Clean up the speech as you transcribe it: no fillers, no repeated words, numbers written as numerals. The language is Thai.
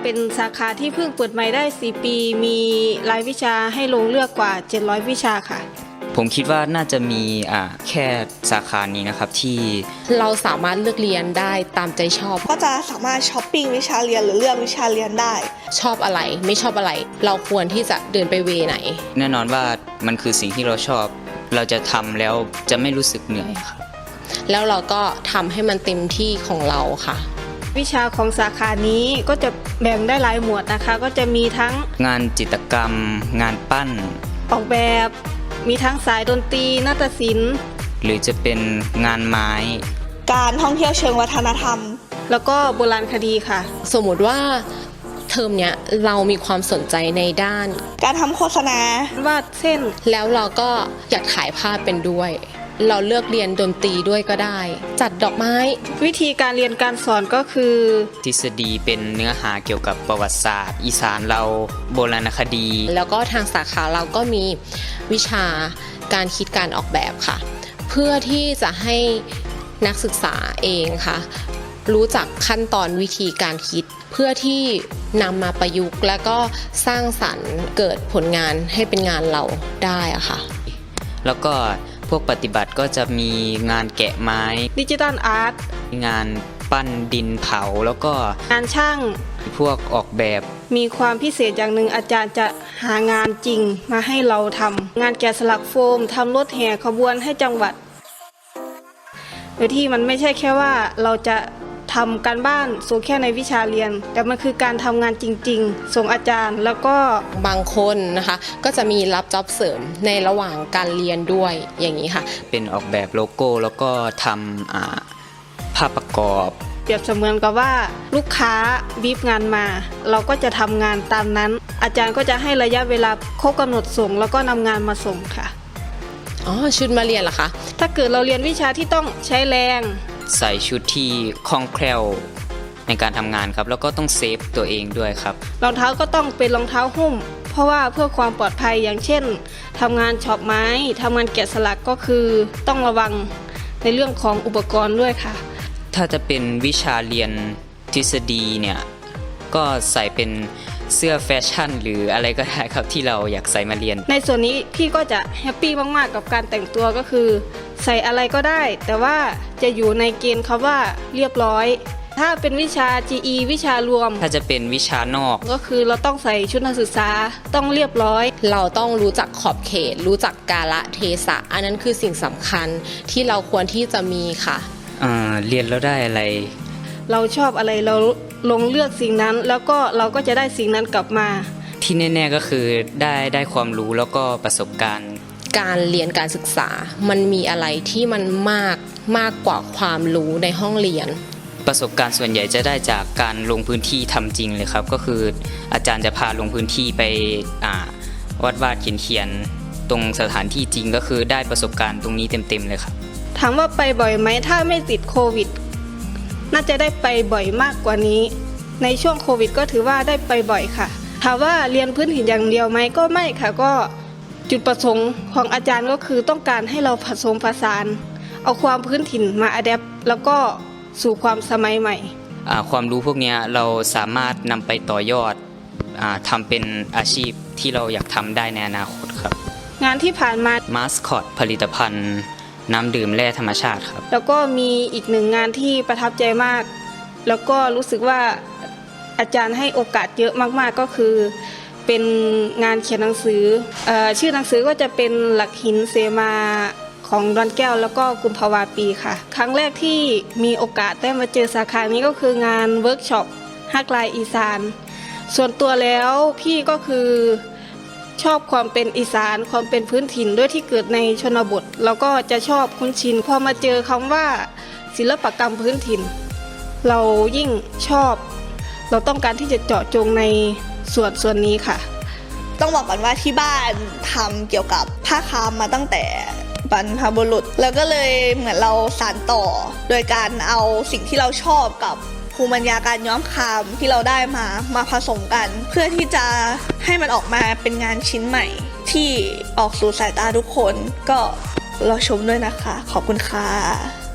เป็นสาขาที่เพิ่งเปิดใหม่ได้4 ปีมีรายวิชาให้ลงเลือกกว่า700 วิชาค่ะผมคิดว่าน่าจะมีแค่สาขานี้นะครับที่เราสามารถเลือกเรียนได้ตามใจชอบก็จะสามารถช้อปปิ้งวิชาเรียนหรือเลือกวิชาเรียนได้ชอบอะไรไม่ชอบอะไรเราควรที่จะเดินไปเวไหนแน่นอนว่ามันคือสิ่งที่เราชอบเราจะทำแล้วจะไม่รู้สึกเหนื่อยครับแล้วเราก็ทำให้มันเต็มที่ของเราค่ะวิชาของสาขานี้ก็จะแบ่งได้หลายหมวดนะคะก็จะมีทั้งงานจิตรกรรมงานปั้นออกแบบมีทั้งสายดนตรีนาฏศิลป์หรือจะเป็นงานไม้การท่องเที่ยวเชิงวัฒนธรรมแล้วก็โบราณคดีค่ะสมมุติว่าเทอมเนี้ยเรามีความสนใจในด้านการทำโฆษณาวาดเส้นแล้วเราก็อยากถ่ายภาพเป็นด้วยเราเลือกเรียนดนตรีด้วยก็ได้จัดดอกไม้วิธีการเรียนการสอนก็คือทฤษฎีเป็นเนื้อหาเกี่ยวกับประวัติศาสตร์อีสานเราโบราณคดีแล้วก็ทางสาขาเราก็มีวิชาการคิดการออกแบบค่ะเพื่อที่จะให้นักศึกษาเองค่ะรู้จักขั้นตอนวิธีการคิดเพื่อที่นำมาประยุกต์และก็สร้างสรรค์เกิดผลงานให้เป็นงานเราได้อะค่ะแล้วก็พวกปฏิบัติก็จะมีงานแกะไม้ดิจิทัลอาร์ตงานปั้นดินเผาแล้วก็งานช่างพวกออกแบบมีความพิเศษอย่างหนึ่งอาจารย์จะหางานจริงมาให้เราทำงานแกะสลักโฟมทำรถแห่ขบวนให้จังหวัดโดยที่มันไม่ใช่แค่ว่าเราจะทำการบ้านส่งแค่ในวิชาเรียนแต่มันคือการทำงานจริงๆส่งอาจารย์แล้วก็บางคนนะคะก็จะมีรับจ็อบเสริมในระหว่างการเรียนด้วยอย่างนี้ค่ะเป็นออกแบบโลโก้แล้วก็ทำภาพประกอบเปรียบเสมือนกับว่าลูกค้าบีฟงานมาเราก็จะทำงานตามนั้นอาจารย์ก็จะให้ระยะเวลาครบกำหนดส่งแล้วก็นำงานมาส่งค่ะชุดมาเรียนเหรอคะถ้าเกิดเราเรียนวิชาที่ต้องใช้แรงใส่ชุดที่คล่องแคล่วในการทำงานครับแล้วก็ต้องเซฟตัวเองด้วยครับรองเท้าก็ต้องเป็นรองเท้าหุ้มเพราะว่าเพื่อความปลอดภัยอย่างเช่นทำงานช็อปไม้ทำงานแกะสลักก็คือต้องระวังในเรื่องของอุปกรณ์ด้วยค่ะถ้าจะเป็นวิชาเรียนทฤษฎีเนี่ยก็ใส่เป็นเสื้อแฟชั่นหรืออะไรก็ได้ครับที่เราอยากใส่มาเรียนในส่วนนี้พี่ก็จะแฮปปี้มากๆกับการแต่งตัวก็คือใส่อะไรก็ได้แต่ว่าจะอยู่ในเกณฑ์คำว่าเรียบร้อยถ้าเป็นวิชา GE วิชารวมถ้าจะเป็นวิชานอกก็คือเราต้องใส่ชุดนักศึกษาต้องเรียบร้อยเราต้องรู้จักขอบเขตรู้จักกาลเทศะอันนั้นคือสิ่งสำคัญที่เราควรที่จะมีค่ะเรียนแล้วได้อะไรเราชอบอะไรเราลงเลือกสิ่งนั้นแล้วก็เราก็จะได้สิ่งนั้นกลับมาที่แน่ๆก็คือได้ความรู้แล้วก็ประสบการณ์การเรียนการศึกษามันมีอะไรที่มันมากกว่าความรู้ในห้องเรียนประสบการณ์ส่วนใหญ่จะได้จากการลงพื้นที่ทำจริงเลยครับก็คืออาจารย์จะพาลงพื้นที่ไปวาดเขียนตรงสถานที่จริงก็คือได้ประสบการณ์ตรงนี้เต็มๆเลยครับถามว่าไปบ่อยไหมถ้าไม่ติดโควิดน่าจะได้ไปบ่อยมากกว่านี้ในช่วงโควิดก็ถือว่าได้ไปบ่อยค่ะถามว่าเรียนพื้นถิ่นอย่างเดียวไหมก็ไม่ค่ะก็จุดประสงค์ของอาจารย์ก็คือต้องการให้เราผสมผสานเอาความพื้นถิ่นมาอะแดปแล้วก็สู่ความสมัยใหม่ความรู้พวกนี้เราสามารถนำไปต่อยอดทำเป็นอาชีพที่เราอยากทำได้ในอนาคตครับงานที่ผ่านมามาสคอตผลิตภัณฑ์น้ำดื่มแร่ธรรมชาติครับแล้วก็มีอีกหนึ่งงานที่ประทับใจมากแล้วก็รู้สึกว่าอาจารย์ให้โอกาสเยอะมากๆก็คือเป็นงานเขียนหนังสือชื่อหนังสือก็จะเป็นหลักหินเสมาของดอนแก้วแล้วก็กุมภาวาปีค่ะครั้งแรกที่มีโอกาสได้มาเจอสาขานี้ก็คืองานเวิร์กช็อปฮักลายอีสานส่วนตัวแล้วพี่ก็คือชอบความเป็นอีสานความเป็นพื้นถิ่นด้วยที่เกิดในชนบทแล้วก็จะชอบคุ้นชินพอมาเจอคำว่าศิลปกรรมพื้นถิ่นเรายิ่งชอบเราต้องการที่จะเจาะจงในส่วนนี้ค่ะต้องบอกก่อนว่าที่บ้านทำเกี่ยวกับผ้าคามมาตั้งแต่บรรพบุรุษแล้วก็เลยเหมือนเราสานต่อโดยการเอาสิ่งที่เราชอบกับภูมิปัญญาการย้อมคามที่เราได้มาผสมกันเพื่อที่จะให้มันออกมาเป็นงานชิ้นใหม่ที่ออกสู่สายตาทุกคนก็รอชมด้วยนะคะขอบคุณค่ะ